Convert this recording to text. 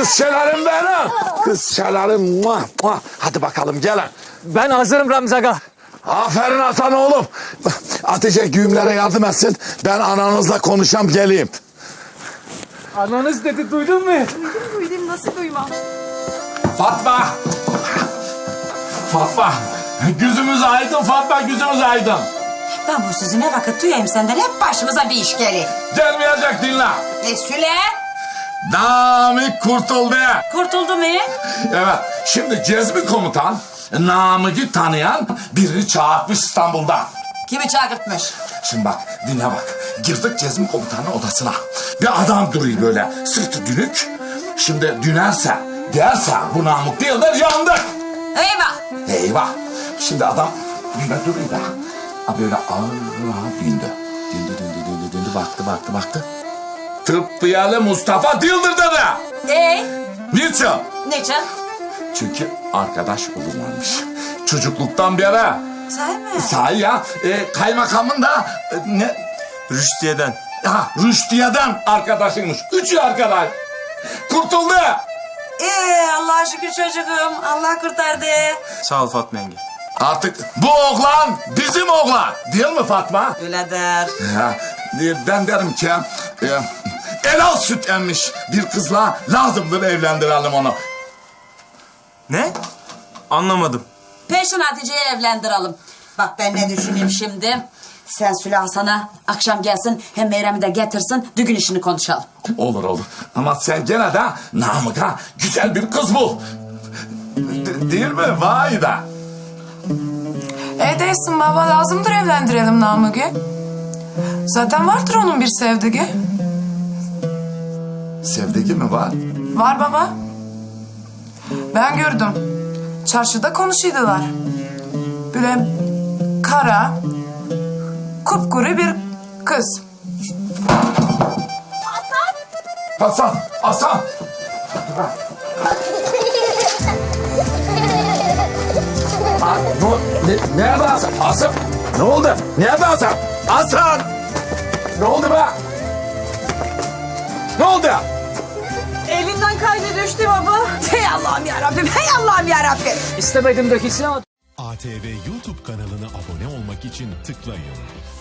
kız şelalim benim. Kız şelalim. Muah, muah. Hadi bakalım gelin. Ben hazırım Ramzi Aga. Aferin Hasan oğlum. Hatice güğümlere yardım etsin. Ben ananızla konuşam geleyim. Ananız dedi, duydun mu? Duydum, nasıl duymam? Fatma. Fatma. Gözümüz aydın Fatma, gözümüz aydın. Ben bu sözü ne vakit duyayım senden, hep başımıza bir iş gelir. Gelmeyecek dinle. Süle. Namık kurtuldu. Kurtuldu mu? Evet, şimdi Cezmi komutan Namık'ı tanıyan birini çağırtmış İstanbul'da. Kimi çağırtmış? Şimdi bak, dinle bak. Girdik Cezmi komutanın odasına. Bir adam duruyor böyle, sırtı dönük. Şimdi dünerse, derse bu Namık değildir, yandık. Eyvah. Eyvah. Şimdi adam böyle duruyor da. Böyle ağır döndü. Döndü, baktı. Tıbbiyalı Mustafa değildir dedi. Niçin? Niçin? Çünkü arkadaş olurlarmış. Çocukluktan beri. Sahi mi? Sahi ya. Kaymakamın da ne? Rüştiye'den. Rüştiye'den arkadaşıymış. Üçü arkadaş. Kurtuldu. Allah'a şükür çocuğum. Allah kurtardı. Sağ ol Fatma yenge. Artık bu oğlan bizim oğlan. Değil mi Fatma? Öyledir. Ya, ben derim ki helal süt emmiş bir kızla lazımdır evlendirelim onu. Ne? Anlamadım. Peşin Hatice'yi evlendirelim. Bak ben ne düşüneyim şimdi. Sen Süle Hasan'a akşam gelsin, hem Meyrem'i de getirsin, düğün işini konuşalım. Olur. Ama sen gene de Namık'a güzel bir kız bul. Değil mi? Vay da. Değilsin baba, lazımdır evlendirelim Namık'ı. Zaten vardır onun bir sevdiği. Sevdigi mi var? Var baba. Ben gördüm. Çarşıda konuşuydular. Böyle kara, kupkuru bir kız. Hasan. Nerede Hasan? Hasan. Ne oldu? Nerede Hasan? Hasan. Ne oldu be? Ne oldu? Elinden kaydı düştü baba. Hey Allah'ım yarabbim. İstemedim dökülsün ama... ATV YouTube kanalına abone olmak için tıklayın.